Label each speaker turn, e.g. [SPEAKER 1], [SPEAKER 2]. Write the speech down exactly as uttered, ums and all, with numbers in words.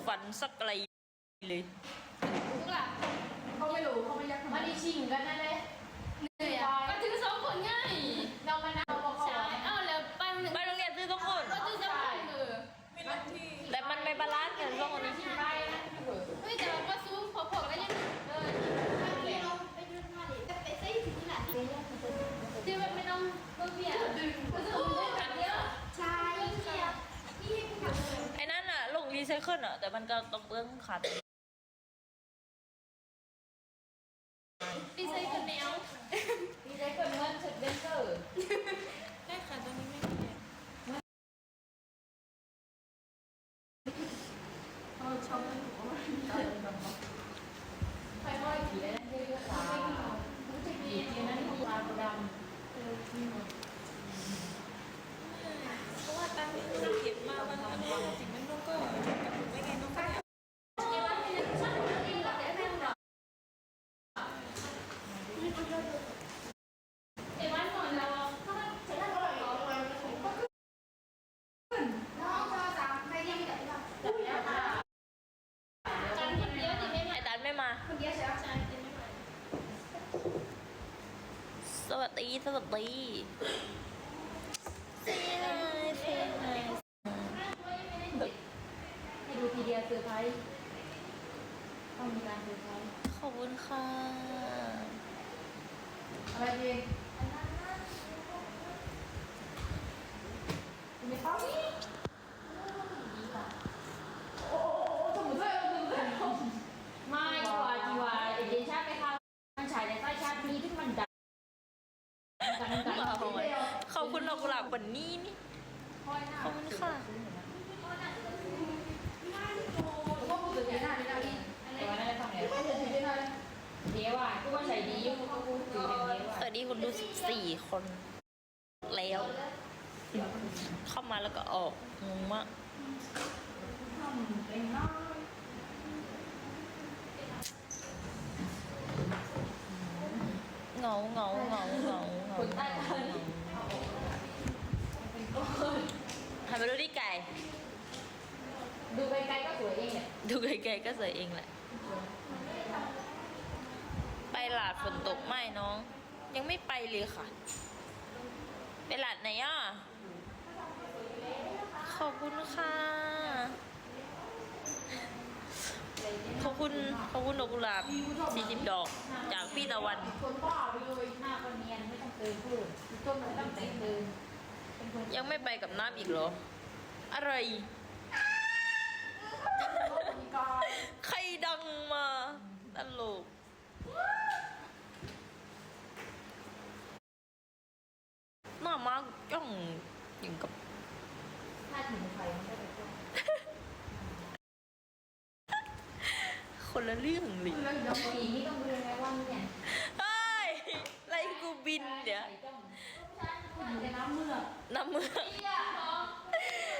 [SPEAKER 1] ฝันสักอะไรเลย
[SPEAKER 2] รู้ล่ะ
[SPEAKER 3] เขาไม่รู้เขาไม่ยัก
[SPEAKER 2] มาดีชิงกันนั่นเลยเหนื่อยอ่ะก็ถือสองคนง่ายเรามานาวบอกใช่เอ้าแล้วไปหนึ่ง
[SPEAKER 1] ไปโรงเรียนซื้อทุกคน
[SPEAKER 2] ก็ถือสองคนเออ
[SPEAKER 1] แต่มันไม่บาลานซ์กันสองคนนี้
[SPEAKER 2] ไปนะเฮ้ยแต่เราก็ซูมพอๆแล้วยังเออที่ว่าไม่ต้องเพิ่มเบี้ยดึงก็จะได้แบบเดียวใช่เบี้ยที่ให้ผู้ทำ
[SPEAKER 1] ไอ้นั่นอะลงรีไซเคิลอะแต่มันก็ต้องเบื้องขาด
[SPEAKER 2] ดีไซน์คนแนวดีไซน์คนเงินสุดเบนเซอร์ได้ค่ะตอนนี้ไม่มีเขาชอบมันหัวมันค่อยๆขี่ได้เรื่อยๆตาผู้ชายดีจริงนะนี่ตาดำเออจริง
[SPEAKER 4] เพราะว่าตังค์ที่เราเก็บมามันมันว่าสิ่งนั้นน้องก็กำหนดไว้ไงน้องก็เนี่ย
[SPEAKER 2] เอวันไม่ได้ช่างมันเองหรอกแต่ไม่หรอกเอวันหมดแล้วก็ใช้ได้เท่าไหร่หรอน้องชอสามใครยังไม่จับได้จับแล้วค่ะกันคนเดียวดิไม่มา
[SPEAKER 1] ไอ้ดันไม่มา
[SPEAKER 2] คนเดียวใช่ไหมใช่กินไม่ไหว
[SPEAKER 1] สวัสดีสวัสดีเสียเสีย
[SPEAKER 2] ให้ดูทีเดียวเซอร์ไพรส์ต้องมีการเซอร์ไพรส์
[SPEAKER 1] ขอบคุณค่ะ
[SPEAKER 3] อะไรดีมีเป้านี่โอ้โหสมุนไพรสมุนไพร
[SPEAKER 2] ไม่กว่าจีวาเอเดนชาติไปค่ะมันฉายในใต้ชาตินี้ที่มันดังกันกัน
[SPEAKER 1] ขอบคุณดอกกุหลาบวันนี้นี่ขอบคุณค่ะ
[SPEAKER 3] ผมว่าพูดถึงเจน่าดีนะนี่
[SPEAKER 2] แต่ว่าน่าจะทำไง
[SPEAKER 3] พูดถึงเจน่าเลย
[SPEAKER 2] เดี๋ยวอ่ะกูว่าใส่ดีอยู่เขาพูดถึงอย่างเดียว
[SPEAKER 1] ส
[SPEAKER 2] อ่ะ
[SPEAKER 1] วัสดีคุณดูสิบสี่คนแล้ว เข้ามาแล้วก็ออกงงมาก
[SPEAKER 3] ทำเป็นน้อย
[SPEAKER 1] เหงาเหงาเหงาเหงาเหงา
[SPEAKER 2] คนใต้ตอน
[SPEAKER 1] หันไปดูที่ไก่
[SPEAKER 2] ดูไกลๆก็สวยเองเนี่ย
[SPEAKER 1] ดูไกลๆก็สวยเองแหละ ไปหลาดฝนตกไหมน้อง ยังไม่ไปเลยค่ะ ไปหลาดไหนอ่ะ ขอบคุณค่ะ ขอบคุณขอบคุณดอกกุหลาบสี่สิบดอก จากพี่ตะวัน
[SPEAKER 3] คนบ้าไปเลย
[SPEAKER 2] หน้าคนเนียนไม่ต้องเติมเพิ่มต้นไม่ต้องแต่งเติมเป็นคน
[SPEAKER 1] ยังไม่ไปกับน้ำอีกเหรอ อะไร
[SPEAKER 3] มีกาย
[SPEAKER 1] ใครดังมาตลกหน้ามาจ้องอย่างกับ
[SPEAKER 2] ถ้าถึงไฟมันก็จะต้น
[SPEAKER 1] คนละเรื่องเลย
[SPEAKER 3] เรื่องเดียว
[SPEAKER 2] สีนี่ต้องดูไงว่าเนี่ย
[SPEAKER 1] เฮ้ยไรกูบินเดี๋ยว
[SPEAKER 2] อยู่ในน้ำเมือก
[SPEAKER 1] น้ำมือ
[SPEAKER 2] เตี้ยเหรอ